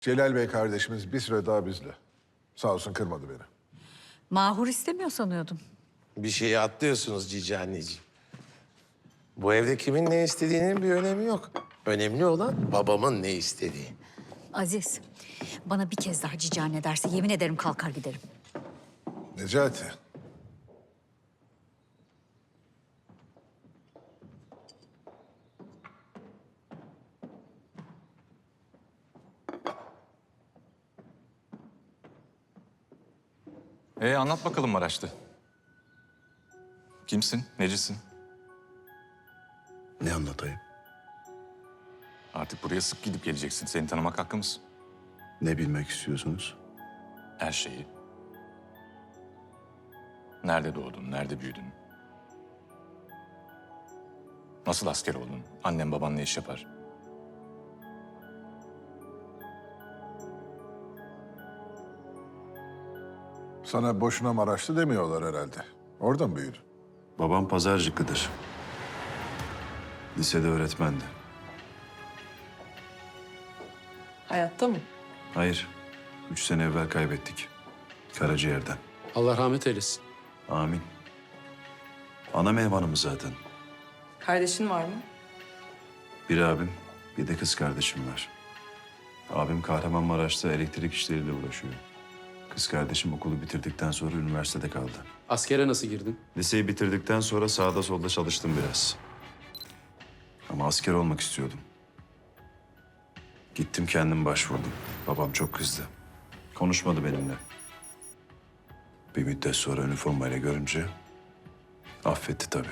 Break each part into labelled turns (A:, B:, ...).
A: Celal Bey kardeşimiz bir süre daha bizle. Sağ olsun kırmadı beni.
B: Mahur istemiyor sanıyordum.
C: Bir şeyi atlıyorsunuz cici anneciğim. Bu evde kimin ne istediğinin bir önemi yok. Önemli olan babamın ne istediği.
B: Aziz, bana bir kez daha cici anne derse yemin ederim kalkar giderim.
A: Necati.
D: Anlat bakalım Maraşlı. Kimsin, necisin?
E: Ne anlatayım?
D: Artık buraya sık gidip geleceksin. Seni tanımak hakkımız.
E: Ne bilmek istiyorsunuz?
D: Her şeyi. Nerede doğdun, nerede büyüdün? Nasıl asker oldun? Annem baban ne iş yapar?
A: Sana boşuna Maraşlı demiyorlar herhalde. Oradan mı büyüdün?
E: Babam pazarcıklıdır. Lisede öğretmendi.
F: Hayatta mı?
E: Hayır, 3 sene evvel kaybettik. Karaciğerden.
G: Allah rahmet eylesin.
E: Amin. Ana meyvanımız zaten.
F: Kardeşin var mı?
E: Bir abim, bir de kız kardeşim var. Abim Kahramanmaraş'ta elektrik işleriyle uğraşıyor. Kız kardeşim okulu bitirdikten sonra üniversitede kaldı.
G: Askere nasıl girdin?
E: Liseyi bitirdikten sonra sağda solda çalıştım biraz. Ama asker olmak istiyordum. Gittim kendim başvurdum. Babam çok kızdı. Konuşmadı benimle. Bir müddet sonra üniformayla görünce affetti tabii.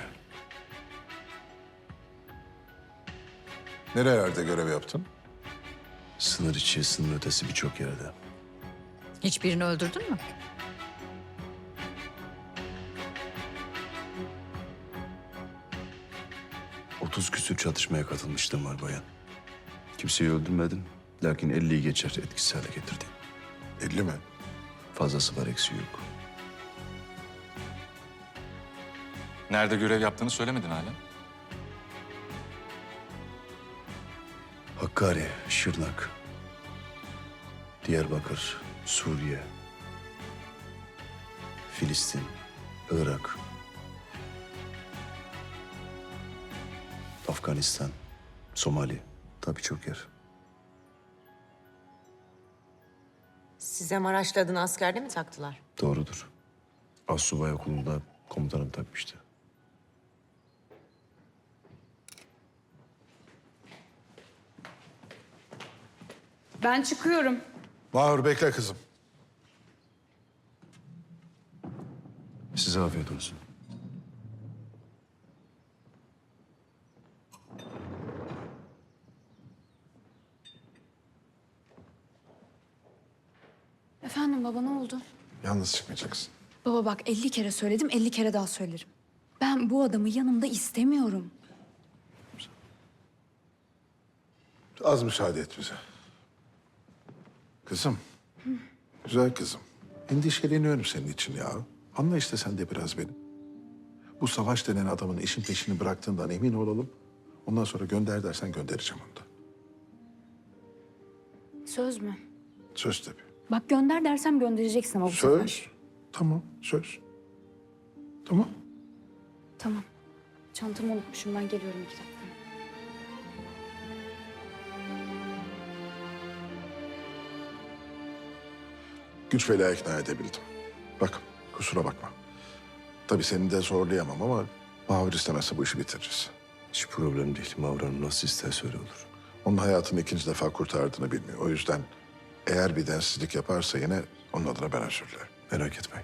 A: Nerelerde görev yaptın?
E: Sınır içi, sınır ötesi birçok yerde.
B: Hiçbirini öldürdün mü?
E: Otuz küsür çatışmaya katılmıştım var bayan. Kimseyi öldürmedim. Lakin 50'yi geçer etkisiz hale getirdim.
A: 50 mi?
E: Fazlası var, eksiği yok.
D: Nerede görev yaptığını söylemedin hala.
E: Hakkari, Şırnak, Diyarbakır, Suriye, Filistin, Irak, Afganistan, Somali, tabii çok yer.
H: Size Maraşlı adını askerde mi taktılar?
E: Doğrudur. Astsubay okulunda komutanım takmıştı.
I: Ben çıkıyorum.
A: Mahur bekle kızım.
E: Size afiyet olsun.
I: Efendim baba, ne oldu?
A: Yalnız çıkmayacaksın.
I: Baba bak, 50 kere söyledim, 50 kere daha söylerim. Ben bu adamı yanımda istemiyorum.
A: Az müsaade et bize. Kızım. Güzel kızım. Endişeleniyorum senin için ya. Anla işte sen de biraz beni. Bu Savaş denen adamın işin peşini bıraktığından emin olalım. Ondan sonra gönder dersen göndereceğim onu da.
I: Söz mü?
A: Söz tabii.
I: Bak, gönder dersem göndereceksin ama bu
A: Söz.
I: sefer.
A: Tamam, söz. Tamam.
I: Tamam. Çantamı unutmuşum, ben geliyorum 2 dakika.
A: Güç bela ikna edebildim. Bak, kusura bakma. Tabii seni de zorlayamam ama Mahur istemezse bu işi bitiririz.
E: Hiç problem değil. Mavranın nasıl isterse öyle olur.
A: Onun hayatını 2. defa kurtardığını bilmiyor. O yüzden eğer bir densizlik yaparsa yine onun adına ben özür dilerim.
E: Merak etmeyin.